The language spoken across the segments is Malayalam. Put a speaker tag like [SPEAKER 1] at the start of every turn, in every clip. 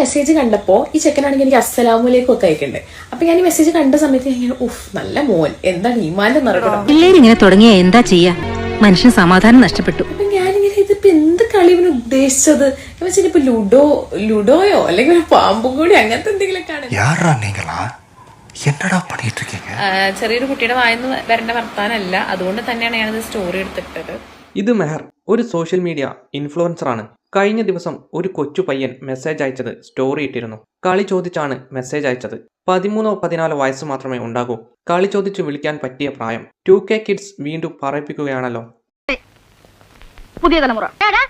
[SPEAKER 1] മെസ്സേജ് കണ്ടപ്പോ ഈ ചെക്കനാണെങ്കിൽ എനിക്ക് അസ്സലാമലൈക്കും ഒക്കെ അയക്കണ്ടേ. അപ്പൊ ഞാൻ ഈ മെസ്സേജ് കണ്ട സമയത്ത് ഞാൻ നല്ല മോൻ എന്താണ് ഈമാന്റെ നിറക്കണം.
[SPEAKER 2] പിള്ളേര് ഇങ്ങനെ തുടങ്ങിയ എന്താ ചെയ്യാ, മനുഷ്യന് സമാധാനം നഷ്ടപ്പെട്ടു.
[SPEAKER 1] അപ്പൊ ഞാനിങ്ങനെ ഇതിപ്പോ എന്ത് കളി ഇവന് ഉദ്ദേശിച്ചത് എന്ന് വെച്ചാൽ ഇപ്പൊ ലുഡോയോ അല്ലെങ്കിൽ ഒരു പാമ്പും കൂടി അങ്ങനത്തെ എന്തെങ്കിലും കാണും. ചെറിയൊരു കുട്ടിയുടെ വായന്ന് വരേണ്ട വർത്താനല്ല, അതുകൊണ്ട് തന്നെയാണ് ഞാനിത് സ്റ്റോറി എടുത്തിട്ടത്.
[SPEAKER 3] ഇത് മെഹർ ഒരു സോഷ്യൽ മീഡിയ ഇൻഫ്ലുവൻസറാണ്. കഴിഞ്ഞ ദിവസം ഒരു കൊച്ചു പയ്യൻ മെസ്സേജ് അയച്ചത് സ്റ്റോറി ഇട്ടിരുന്നു. കളി ചോദിച്ചാണ് മെസ്സേജ് അയച്ചത്. 13-14 വയസ്സ് മാത്രമേ ഉണ്ടാകൂ. കളി ചോദിച്ച് വിളിക്കാൻ പറ്റിയ പ്രായം. 2K കിഡ്സ് വീണ്ടും പറയിപ്പിക്കുകയാണല്ലോ.
[SPEAKER 4] പുതിയ തലമുറ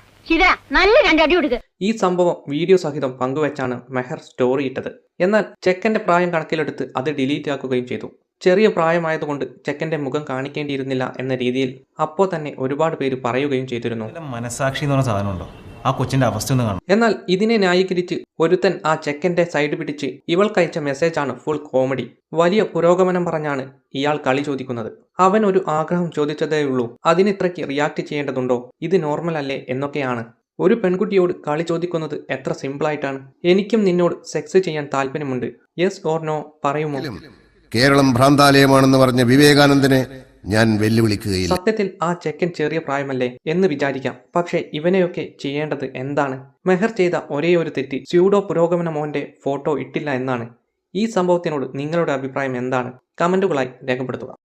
[SPEAKER 3] ഈ സംഭവം വീഡിയോ സഹിതം പങ്കുവച്ചാണ് മെഹർ സ്റ്റോറി ഇട്ടത്. എന്നാൽ ചെക്കന്റെ പ്രായം കണക്കിലെടുത്ത് അത് ഡിലീറ്റ് ആക്കുകയും ചെയ്തു. ചെറിയ പ്രായമായതുകൊണ്ട് ചെക്കന്റെ മുഖം കാണിക്കേണ്ടിയിരുന്നില്ല എന്ന രീതിയിൽ അപ്പോൾ തന്നെ ഒരുപാട് പേര് പറയുകയും ചെയ്തിരുന്നു.
[SPEAKER 5] മനസാക്ഷി എന്ന് പറഞ്ഞ സാധനമുണ്ടോ? ആ കൊച്ചിന്റെ അവസ്ഥ ഒന്ന് കാണും.
[SPEAKER 3] എന്നാൽ ഇതിനെ ന്യായീകരിച്ച് ഒരുത്തൻ ആ ചെക്കന്റെ സൈഡ് പിടിച്ച് ഇവൾക്കയച്ച മെസ്സേജാണ് ഫുൾ കോമഡി. വലിയ പുരോഗമനം പറഞ്ഞാണ് ഇയാൾ കളി ചോദിക്കുന്നത്. അവൻ ഒരു ആഗ്രഹം ചോദിച്ചതേയുള്ളൂ, അതിനിത്രയ്ക്ക് റിയാക്ട് ചെയ്യേണ്ടതുണ്ടോ, ഇത് നോർമൽ അല്ലേ എന്നൊക്കെയാണ്. ഒരു പെൺകുട്ടിയോട് കളി ചോദിക്കുന്നത് എത്ര സിമ്പിളായിട്ടാണ്. എനിക്കും നിന്നോട് സെക്സ് ചെയ്യാൻ താല്പര്യമുണ്ട്, യെസ് ഓർ നോ പറയുമോ?
[SPEAKER 6] കേരളം ഭ്രാന്താലയമാണെന്ന് പറഞ്ഞ വിവേകാനന്ദനെ ഞാൻ വെല്ലുവിളിക്കുകയില്ല.
[SPEAKER 3] സത്യത്തിൽ ആ ചെക്കൻ ചെറിയ പ്രായമല്ലേ എന്ന് വിചാരിക്കാം. പക്ഷേ ഇവനെയൊക്കെ ചെയ്യേണ്ടത് എന്താണ്? മെഹർ ചെയ്ത ഒരേ ഒരു തെറ്റ് സ്യൂഡോ പുരോഗമന മോന്റെ ഫോട്ടോ ഇട്ടില്ല എന്നാണ്. ഈ സംഭവത്തിനോട് നിങ്ങളുടെ അഭിപ്രായം എന്താണ്? കമന്റുകളായി രേഖപ്പെടുത്തുക.